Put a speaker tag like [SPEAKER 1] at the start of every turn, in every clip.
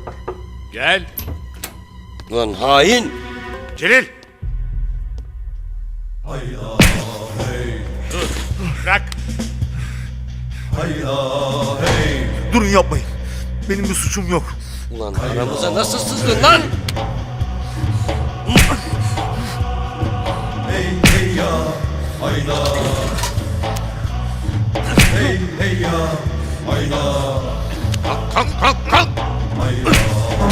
[SPEAKER 1] Gel.
[SPEAKER 2] Ulan hain!
[SPEAKER 1] Celil. Dur. Bırak.
[SPEAKER 3] Durun, yapmayın. Benim bir suçum yok.
[SPEAKER 2] Ulan aramıza nasıl sızdın lan?
[SPEAKER 1] Kalk kalk kalk.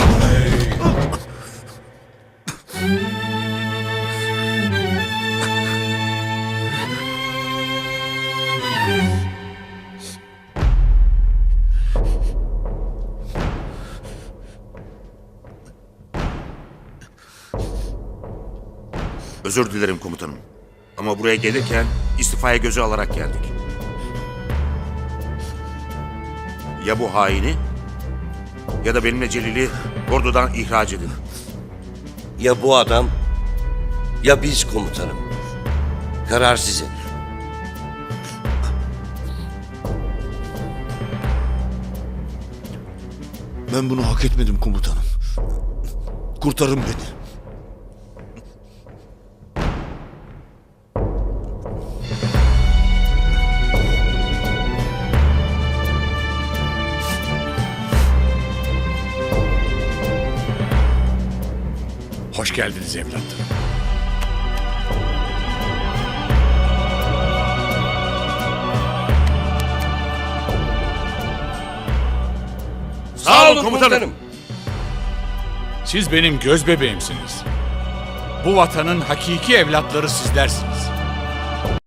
[SPEAKER 4] Özür dilerim komutanım. Ama buraya gelirken istifaya gözü alarak geldik. Ya bu haini ya da benimle Celil'i ordudan ihraç edin.
[SPEAKER 2] Ya bu adam ya biz komutanım. Karar sizin.
[SPEAKER 3] Ben bunu hak etmedim komutanım. Kurtarın beni.
[SPEAKER 1] Hoş geldiniz evlatlarım.
[SPEAKER 4] Sağ olun komutanım.
[SPEAKER 1] Siz benim göz bebeğimsiniz. Bu vatanın hakiki evlatları sizlersiniz.